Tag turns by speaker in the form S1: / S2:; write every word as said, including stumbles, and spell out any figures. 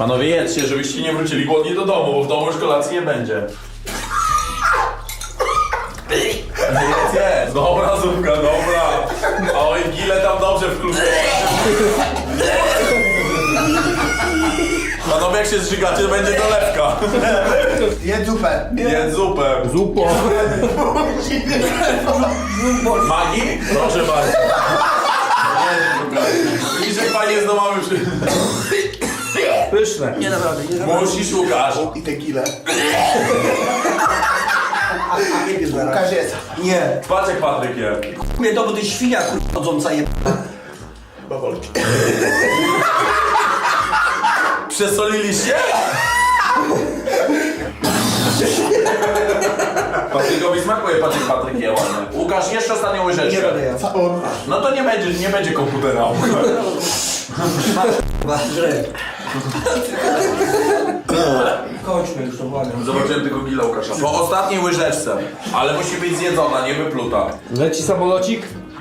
S1: Panowie, jedzcie, żebyście nie wrócili głodni do domu, bo w domu już kolacji nie będzie. Jedz, jedz. Dobra zupka, dobra. Oj, gile tam dobrze wkluczyły. Panowie, jak się zżygacie, to będzie dolewka.
S2: Jedz zupę.
S1: Jedz zupę.
S3: Zupo.
S1: Magii? Proszę bardzo. Widzisz, jak fajnie z domami przy...
S3: Pyszne.
S2: Nie naprawdę, nie naprawdę.
S1: Musisz, Łukasz.
S2: I tequilę. Łukasz jest.
S4: Nie.
S1: Patrz jak Patryk je.
S4: Mnie to, bo ty świnia chodząca je...
S2: Bawolki.
S1: Przesoliliście? Patrykowi smakuje, patrz jak Patryk je ładnie. Łukasz, jeszcze ostatnią
S4: Nie
S1: łyżeczkę.
S4: będę ja.
S1: No to nie będzie, nie będzie komputera.
S4: Źle. Kończmy już to, błagam.
S1: Zobaczyłem tylko gila Łukasza. Po ostatniej łyżeczce, ale musi być zjedzona, nie wypluta.
S3: Leci samolocik.